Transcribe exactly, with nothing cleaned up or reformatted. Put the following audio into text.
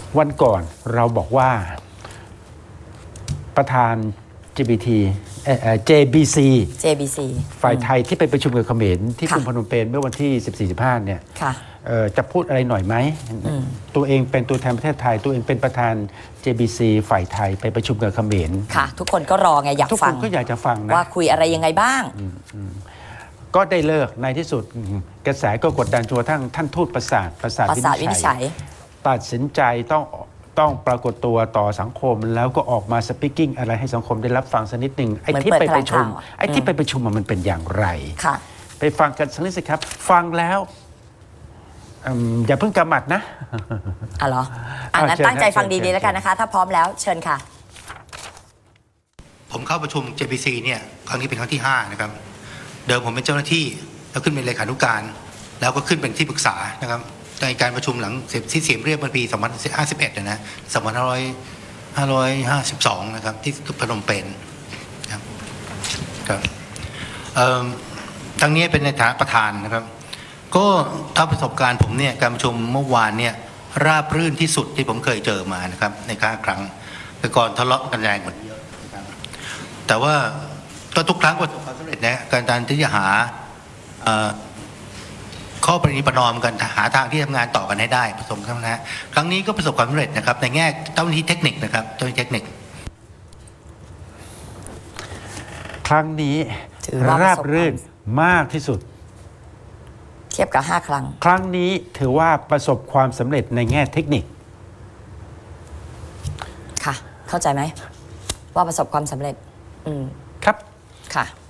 วันก่อนเราบอกว่าประธาน จี บี ที เอ่อ เจ บี ซีเจ บี ซีฝ่ายไทยที่ไปประชุมกับเขมรที่กรุงค่ะพนมเปญเมื่อวันที่ สิบสี่ สิบห้า เนี่ยค่ะเอ่อจะพูดอะไรหน่อยไหม ตัวเองเป็นตัวแทนประเทศไทย ตัวเองเป็นประธาน เจ บี ซี ฝ่ายไทยไปประชุมกับเขมรค่ะ ทุกคนก็รอไงอยากทุกฟัคนงก็อยากจะฟังนะว่าคุยอะไรยังไงบ้างก็ได้เลิกในที่สุดกระแสก็กดดันจนกระทั่งท่านทูตประสาทประสาทประสาทวินิจฉัยตัดสินใจต้องต้องปรากฏตัวต่อสังคม แล้วก็ออกมาสปีกิ้งอะไรให้สังคมได้รับฟังสักนิดหนึ่งไอ้ที่ไปประชุมไอ้ที่ไปประชุมมันเป็นอย่างไรค่ะไปฟังกันสักนิดสิครับ ฟังแล้วอืมอย่าเพิ่งกำหมัดนะอ่ะเหรออ่ะงั้นเชิญตั้งใจครับฟังเชิญดีๆแล้วกันนะคะ ถ้าพร้อมแล้วเชิญค่ะผมเข้าประชุม เจ บี ซี เนี่ยครั้งนี้เป็นครั้งที่ห้านะครับเดิมผมเป็นเจ้าหน้าที่แล้วขึ้นเป็นเลขานุการแล้วก็ขึ้นเป็นที่ปรึกษานะครับในการประชุมหลังเสร็จที่เสียมเรียบเมื่อปีสองพันห้าสิบเอ็ดนะสองพันห้าร้อยห้าร้อยห้าสิบสองนะครับที่พนมเปญครับครับเอ่อทั้งนี้เป็นในฐานะประธานนะครับก็ถ้าประสบการณ์ผมเนี่ยการประชุมเมื่อวานเนี่ยราบรื่นที่สุดที่ผมเคยเจอมานะครับในครั้งครั้งแต่ก่อนทะเลาะกันแรงกว่านี้เยอะนะครับแต่ว่าก็ทุกครั้งประสบความสำเร็จนะการที่จะหาข้อประนีประนอมกันหาทางที่ทำงานต่อกันให้ได้ประสบความนะครั้งนี้ก็ประสบความสำเร็จนะครับในแง่เจ้าหน้าที่เทคนิคนะครับเจ้าหน้าที่เทคนิคครั้งนี้ถือว่าประสบราบรื่นมากที่สุดเทียบกับห้าครั้งครั้งนี้ถือว่าประสบความสำเร็จในแง่เทคนิคค่ะ เข้าใจไหมว่าประสบความสำเร็จ อืมครับค่ะ